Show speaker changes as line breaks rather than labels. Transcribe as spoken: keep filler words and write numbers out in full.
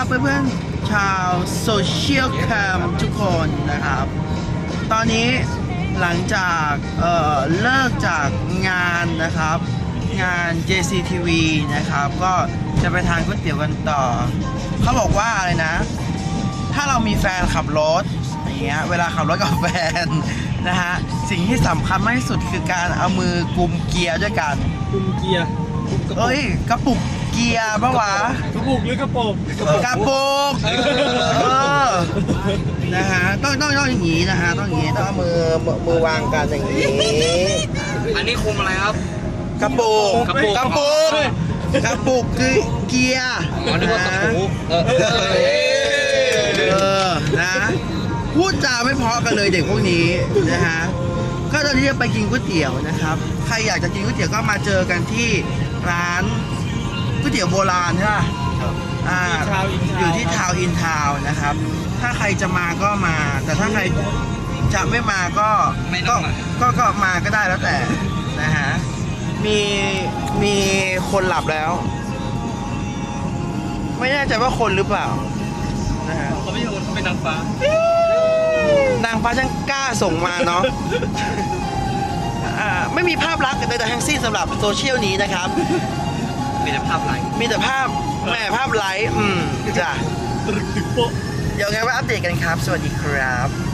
เพื่อนๆชาวโซเชียลแคมทุกคนนะครับ ตอนนี้หลังจากเอ่อเลิกจากงานนะครับงาน เจ ซี ที วี นะครับก็จะไปทานก๋วยเตี๋ยวกันต่อเขาบอกว่าอะไรนะถ้าเรามีแฟนขับรถอย่างเงี้ยเวลาขับรถกับแฟนนะฮะสิ่งที่สำคัญมากที่สุดคือการเอามือกุมเกียร์ด้วยกัน
กุมเกียร์กุมกระปุก
เอ้ยกระปุกเกียร์ปะวะ
กระปุกหรือกระโปรง
กระปุกเออนะฮะต้องต้องต้องอย่างนี้นะฮะต้องอย่างนี้ต้องเอามือมือมือวางกันอย่างนี้
อันนี้คุมอะไรครับ
กระปุก
กระปุก
กระปุกกระปุกคือเกียร์
อ๋อนึกว่ากระปูเออ
เออนะพูดจาไม่เพราะกันเลยเด็กพวกนี้นะฮะก็ตอนนี้จะไปกินก๋วยเตี๋ยวนะครับใครอยากจะกินก๋วยเตี๋ยวก็มาเจอกันที่ร้านก๋วยเตี๋ยวโบราณใช่ป่ะอ่าอยู่ที่ทาวน์อินทาวน์นะครับถ้าใครจะมาก็มา แต่ถ้าใครจะไม่มาก็ก็ก็ก็มาก็ได้แล้วแต่นะฮะมีมีคนหลับแล้ว ไม่แน่ใจว่าคนหรือเปล่านะฮะ
เขาไม่ใช่คนเขาเป็นนางฟ้าน
างฟ้าช่างกล้าส่งมาเนาะอ่าไม่มีภาพลักษณ์ใดๆทั้งสิ้นสำหรับโซเชียลนี้นะครับ
มีแต่ภาพไลน์
มีแต่ภาพแหม่ภาพไลฟ์อืมจ้ะ
ตรึกถึงโป๊ะ
เดี๋ยวไงว่าอัปเดตกันครับ สวัสดีครับ